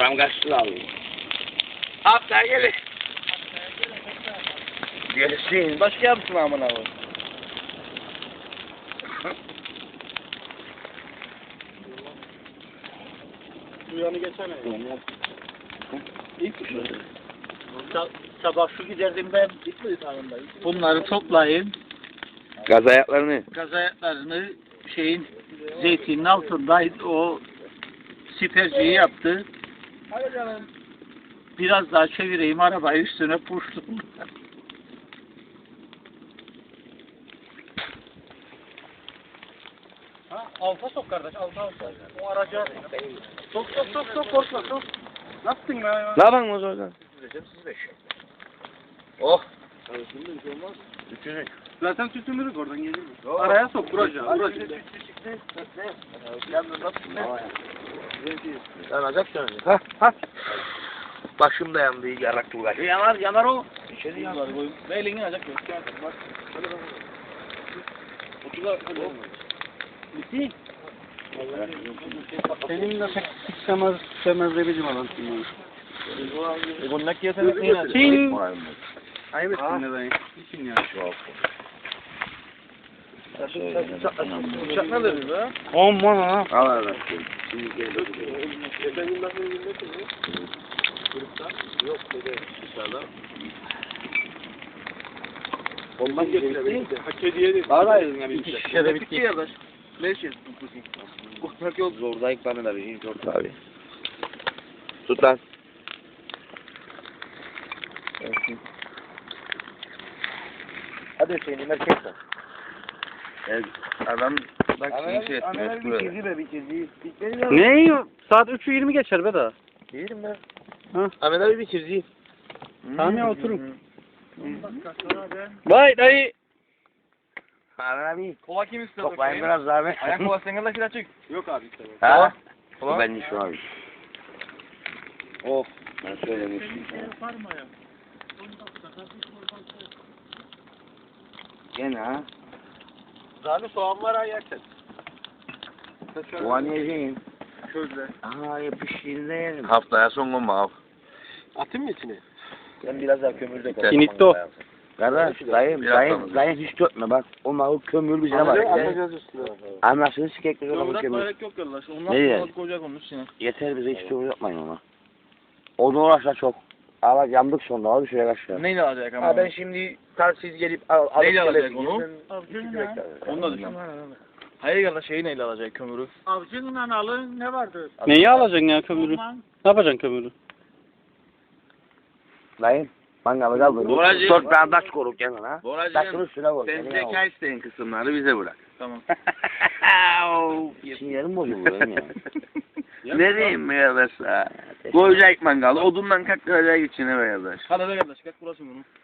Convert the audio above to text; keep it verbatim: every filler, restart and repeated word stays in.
Param kaçtı abi. Haftaya gelin. Gelsin. Başka yapsın aman abi. Duyanı geçene. İlk sabah şu giderdim ben. Bunları toplayayım. Gaz ayaklarını. Gaz ayaklarını şeyin zeytinin altındaydı. O siperciyi yaptı. Biraz daha çevireyim arabayı üstüne puştum. Ha, alta sok kardeş, alta alta. O araca sok sok sok sok korkma sok. Nasılsın be? Ne yapalım o zaman? Oh. Üçünü. Zaten tütünürük oradan gelir mi? Araya sok buracı. Buracı. Yanacaksın önce. Ha ha. Başım da yandı, yarak var. Yanar yanar o. İçeri yanar. Ve elini yanacak. Bak. Otular. Bitti. Senin de pek sıksamaz, sıksamaz demeyeceğim alansın. E bu ne kıyasını kıyasını? Çin. Ayıp ettin ne dayı? Çin ya. Uçak ne dedi be? Aman ha. Al al. Şimdi gel. Efendim nasıl bilmesin mi? Grupta? Yok dedi. İnşallah. Ondan geçti. Hak hediye değil. Daha da ayrılın ya bir şişede bitti. Kardeş. Ne şey? Korkmak yok. Zordayık bana da bir zor abi. Tut lan. Hadi Hüseyin'im erkek var. Evet, adam bak bir şey etmiyor. Bitirdi be bitirdi. Ne? Saat üçü yirmi geçer be daha. Yerim ben. Ha? Ahmet abi bitirdi. Tamam ya oturun. Vay dayı. Ahmet abi. Kola kim istiyor? Toplayın biraz abi. Ayak kola senin de kiler çık. Yok abi istemem. Ha? Kola? Ben şu abi. Oh. Ben söylemiştim. Gene ha. Zaten soğan var ha yersen. Soğan yiyeceğim. Közle. Aa yapıştığında yerim. Haftaya son gün mav. Atayım mı içine? Ben biraz daha kömürde koyayım. Finito. Kardeş dayım dayım dayım hiç dökme bak. O mav kömür bize bak. Anlayacağız üstüne. Anlasın sikekli olan Kömür kömür. atmayak yok kardeş. Ondan Ne sonra koyacak onun içine. Yeter bize hiç kömür yapmayın ona. Onu uğraşla çok. Ama yandık sonra abi şuraya kaçıyor. Neyle alacak ama? Ha ben şimdi tarsiz gelip al alıp Neyle alacak gelip onu? gideceğim. Onu da düşün. Hayır kardeş şeyi neyle alacak kömürü? Avcının analı ne vardı? Neyi alacaksın ya kömürü? Aman. Ne yapacaksın kömürü? Dayım mangalı kaldı. Boracığım. Dört tane taş koruk kendine ha. Taşın Boracığım, üstüne koy. sen Seni zeka al. isteyen kısımları bize bırak. Tamam. Sinirim bozuldu benim ya. Ne diyeyim be arkadaş? Koyacak mangalı, odundan kaktıracak içine be arkadaş. Hadi be kardeş, kalk burası bunu.